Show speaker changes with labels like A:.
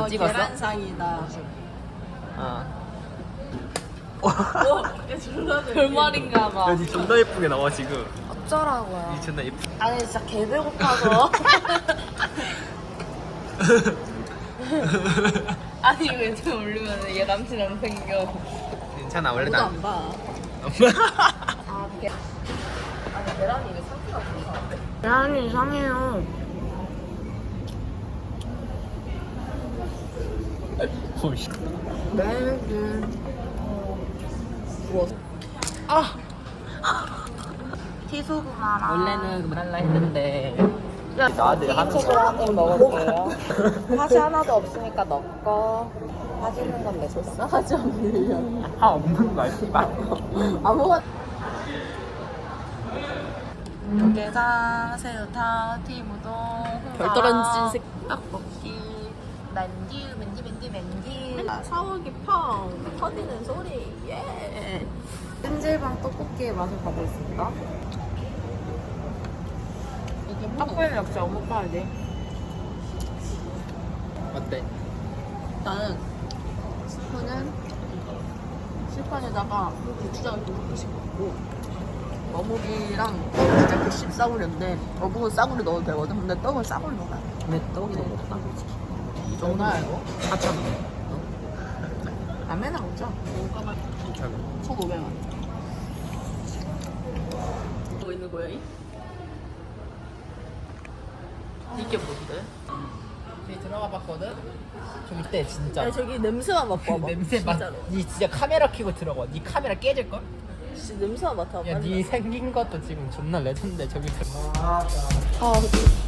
A: 찍었어?
B: 계란상이다.
A: 어.
B: 별말인가 봐.
A: 니 존나 예쁘게 나와 지금.
B: 어쩌라고요.
A: 니 존나 예쁘.
B: 아니 진짜 개 배고파서. 아니 이거 유튜브 올리면 얘 남친 안 생겨.
A: 괜찮아 원래
B: 아무도
A: 나.
B: 안 봐. 아 계. 아니 계란이 왜 상태가 좋은데? 계란이 이상해요.
A: 오씨.
B: 구웠어. 아. 티소구마랑 원래는 말라 했는데
A: 나한테 하는
B: 튀김소스 한입 먹을게요. 팥이 하나도 없으니까 넣고 빠지는 건 내 소스 하지 않으려.
A: 다 없는 거야 씨발.
B: 아무것도 게장, 새우탕, 튀김우동,
A: 별도란지 색-
B: 떡볶이, 맨주. 사오기 펑 터지는 소리. 예. 찜질방 떡볶이의 맛을 가보겠습니다. 이게 떡볶이는 역시 어묵 파야지.
A: 어때?
B: 일단은 스프는 실판에다가 고추장을 조금씩 넣고 어묵이랑 떡은 진짜 개씹 싸구려인데 어묵은 싸구려 넣어도 되거든. 근데 떡은 싸구려 넣어야 돼.
A: 근데 떡이 너무 없다.
B: 이 정도야 이거?
A: 4,000원.
B: 라면은 먹자. 1,500원. 뭐 있는 거야? 이게 뭔데?
A: 저기 들어가 봤거든? 좀 이때 진짜
B: 아니 저기 냄새만 맡아봐.
A: 냄새 맡.
B: 진짜로.
A: 니 진짜 카메라 켜고 들어가. 니 카메라 깨질걸?
B: 진짜 냄새만 맡아봐.
A: 야 니 생긴 것도 지금 존나 레전드 저기 들어.
B: 아,